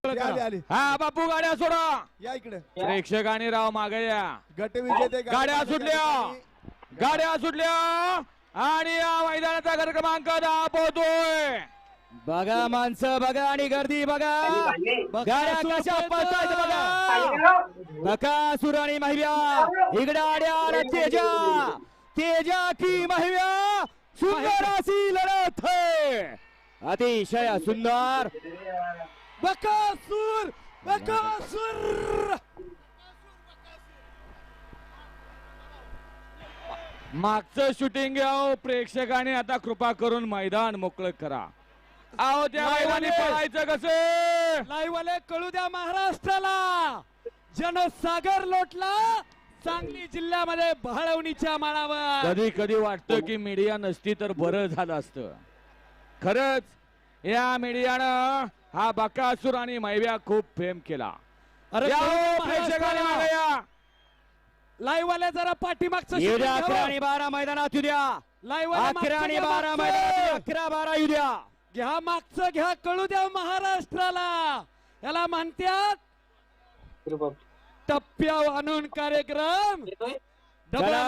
आली. हा बापू गाड्या सोडा. या इकडे. प्रेक्षकांनी राव मागे या. गट विजेते गाड्या सुटल्या. गाड्या सुटल्या आणि या मैदानाचा गट क्रमांक 10 पोहोचतोय. बघा माणसं बघा आणि गर्दी बघा. गाड्या कशा पळतायत बघा. बकासूर आणि महिव्या इकडे आड्या. तेजा की महिव्या. सुंदर अशी लढत है. अतिशय सुंदर. बकासूर मागचं शूटिंग घ्या. प्रेक्षकांनी आता कृपा करून मैदान मोकळं करा. आहो त्या मैदानी पळायचं कसं. लाईव्ह वाले कळू द्या महाराष्ट्राला. जनसागर लोटला सांगली जिल्ह्यामध्ये बहळवणीच्या माळावर. कधी कधी वाटतं की मीडिया नसती तर बरं झालं असतं. खरंच या मीडियानं हा बकासूर आणि मैव्या खूप फेम केला. अरे प्रेक्षकांनी मागे या. लाईव्ह वाले जरा पाठीमागचं 11 आणि 12 मैदानात येऊ द्या. लाईव्ह 11 आणि 12 मैदानात 11-12 येऊ द्या. घ्या मागचं घ्या कळू द्या महाराष्ट्राला. याला म्हणतात टप्प्यावर आणून कार्यक्रम.